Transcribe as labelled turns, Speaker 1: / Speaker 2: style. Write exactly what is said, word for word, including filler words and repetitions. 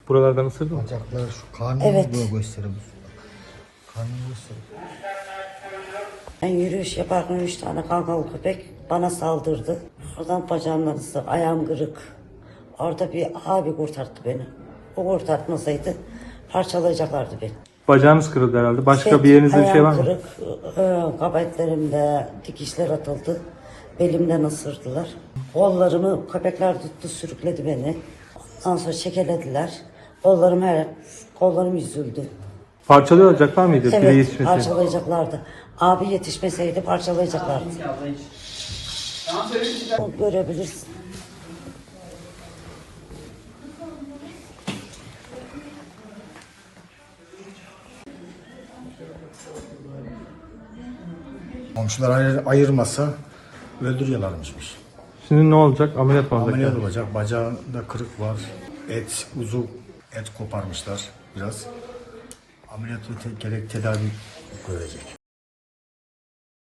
Speaker 1: Buralardan ısırdı mı?
Speaker 2: Bacaklar şu karnını
Speaker 3: Evet.
Speaker 2: böyle gösterir. Karnını gösterir.
Speaker 3: Ben yürüyüş yaparken üç tane kangal köpek bana saldırdı. Oradan bacağımdan ısırdı, ayağım kırık. Orada bir abi kurtardı beni. O kurtartmasaydı parçalayacaklardı beni.
Speaker 1: Bacağınız kırıldı herhalde. Başka
Speaker 3: Evet,
Speaker 1: bir yerinizde bir şey var
Speaker 3: ayağım
Speaker 1: mı?
Speaker 3: kırık, e, kabetlerimde dikişler atıldı. Belimden ısırdılar. Kollarımı köpekler tuttu, sürükledi beni. Ondan sonra çekelediler. Kollarım her, kollarım yüzüldü.
Speaker 1: Parçalayacaklar mıydı? Biri
Speaker 3: Evet,
Speaker 1: yetişmesi.
Speaker 3: parçalayacaklardı. Abi yetişmeseydi parçalayacaklardı. O görebilirsin.
Speaker 2: Komşular ayır, ayırmasa öldürüyorlarmışmış.
Speaker 1: Şimdi ne olacak? Ameliyat mı olacak?
Speaker 2: Ameliyat
Speaker 1: yani?
Speaker 2: olacak. Bacağında kırık var. Et, uzuv et koparmışlar biraz. Ameliyat ve te- gerek tedavi görecek.